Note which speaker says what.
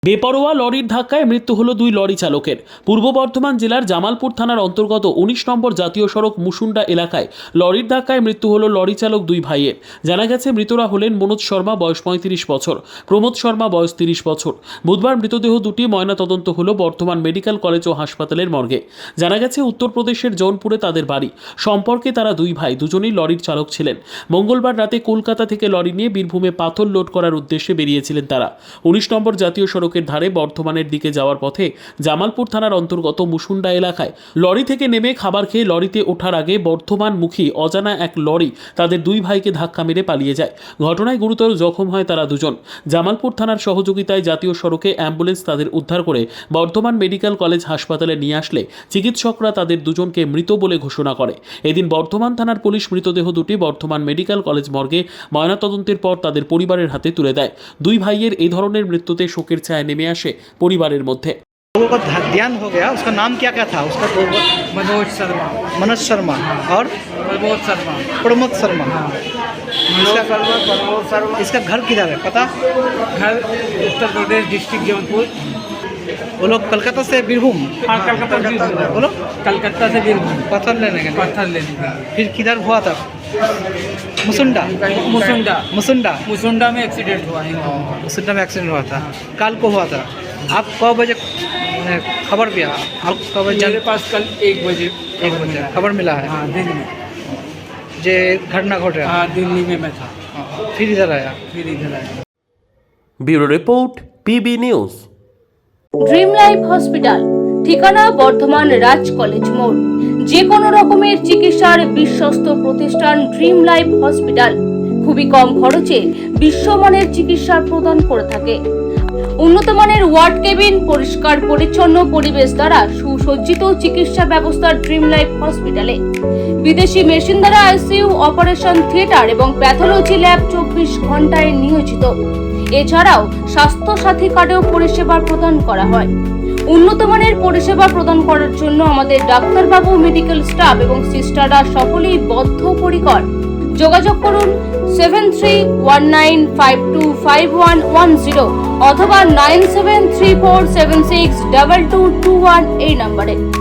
Speaker 1: বেপরোয়া লরির ধাক্কায় মৃত্যু হলো দুই লরি চালকের। পূর্ব বর্ধমান জেলার জামালপুর থানার অন্তর্গত ১৯ নম্বর জাতীয় সড়ক মুসুন্ডা এলাকায় লরির ধাক্কায় মৃত্যু হলো লরি চালক দুই ভাইয়ের। জানা গেছে মৃতরা হলেন মনোজ শর্মা, বয়স ৩৫ বছর, প্রমোদ শর্মা, বয়স ৩০ বছর। বুধবার মৃতদেহ দুটি ময়নাতদন্ত হলো বর্ধমান মেডিকেল কলেজ ও হাসপাতালের মর্গে। জানা গেছে উত্তরপ্রদেশের জৌনপুরে তাদের বাড়ি। সম্পর্কে তারা দুই ভাই, দুজনেই লরির চালক ছিলেন। মঙ্গলবার রাতে কলকাতা থেকে লরি নিয়ে বীরভূমে পাথর লোড করার উদ্দেশ্যে বেরিয়েছিলেন তারা। ১৯ নম্বর জাতীয় সড়কের ধারে বর্ধমানের দিকে যাওয়ার পথে জামালপুর থানার অন্তর্গত মুসুন্ডা এলাকায় লরি থেকে নেমে খাবার খেয়ে লরিতে ওঠার আগে বর্ধমানমুখী অজানা এক লরি তাদের দুই ভাইকে ধাক্কা মেরে পালিয়ে যায়। ঘটনায় গুরুতর জখম হয় তারা দুজন। জামালপুর থানার সহযোগিতায় জাতীয় সড়কে অ্যাম্বুলেন্স তাদের উদ্ধার করে বর্ধমান মেডিকেল কলেজ হাসপাতালে নিয়ে আসলে চিকিৎসকরা তাদের দুজনকে মৃত বলে ঘোষণা করে। এদিন বর্ধমান থানার পুলিশ মৃতদেহ দুটি বর্ধমান মেডিকেল কলেজ মর্গে ময়নাতদন্তের পর তাদের পরিবারের হাতে তুলে দেয়। দুই ভাইয়ের এই ধরনের মৃত্যুতে শোকের ছায়া নেমে আসে পরিবারের মধ্যে।
Speaker 2: लोगों का ध्यान हो गया। उसका नाम क्या क्या था उसका?
Speaker 3: मनोज शर्मा,
Speaker 2: मनोज शर्मा और
Speaker 3: प्रमोद शर्मा।
Speaker 2: प्रमोद शर्मा।
Speaker 3: मनोज शर्मा, प्रमोद शर्मा।
Speaker 2: इसका घर किधर है पता?
Speaker 3: घर उत्तर प्रदेश, डिस्ट्रिक्ट जौनपुर।
Speaker 2: वो लोग कलकत्ता से बीरभूम।
Speaker 3: हाँ, कलकत्ता
Speaker 2: बोलो।
Speaker 3: कलकत्ता से बीरभूम
Speaker 2: पत्थर लेने गए।
Speaker 3: पत्थर लेने का।
Speaker 2: फिर किधर हुआ था? मुसुंडा।
Speaker 3: मुसुंडा
Speaker 2: मुसुंडा
Speaker 3: मुसुंडा में एक्सीडेंट हुआ है।
Speaker 2: मुसुंडा में एक्सीडेंट हुआ था। कल को हुआ था। आप कब बजे खबर दिया? आप कब बजे?
Speaker 3: मेरे पास कल 1 बजे
Speaker 2: 1 बजे खबर मिला है।
Speaker 3: हाँ, दिन में।
Speaker 2: जे घटना घट रहा।
Speaker 3: हाँ, दिल्ली में मैं था,
Speaker 2: फिर इधर आया।
Speaker 3: फिर इधर आया।
Speaker 1: Bureau report, PB news.
Speaker 4: Dream life hospital, ঠিকানা বর্ধমান রাজ কলেজ মোড়। যে কোনো রকমের চিকিৎসার বিশ্বস্ত প্রতিষ্ঠান ড্রিম লাইফ হসপিটাল খুবই কম খরচে বিশ্বমানের চিকিৎসা প্রদান করে থাকে। উন্নত মানের ওয়ার্ড কেবিন, পরিষ্কার পরিচ্ছন্ন পরিবেশ দ্বারা সুসজ্জিত চিকিৎসা ব্যবস্থা ড্রিম লাইফ হসপিটালে। বিদেশি মেশিন দ্বারা আইসিইউ, অপারেশন থিয়েটার এবং প্যাথোলজি ল্যাব 24 ঘন্টায় নিয়োজিত। এছাড়াও স্বাস্থ্য সাথী কার্ডেও পরিষেবা প্রদান করা হয়। উন্নত মানের পরিষেবা প্রদান করার জন্য আমাদের ডাক্তারবাবু, মেডিকেল স্টাফ এবং সিস্টাররা সকলেই বদ্ধপরিকর। যোগাযোগ করুন 7319525110 অথবা 9734762221 এই নম্বরে।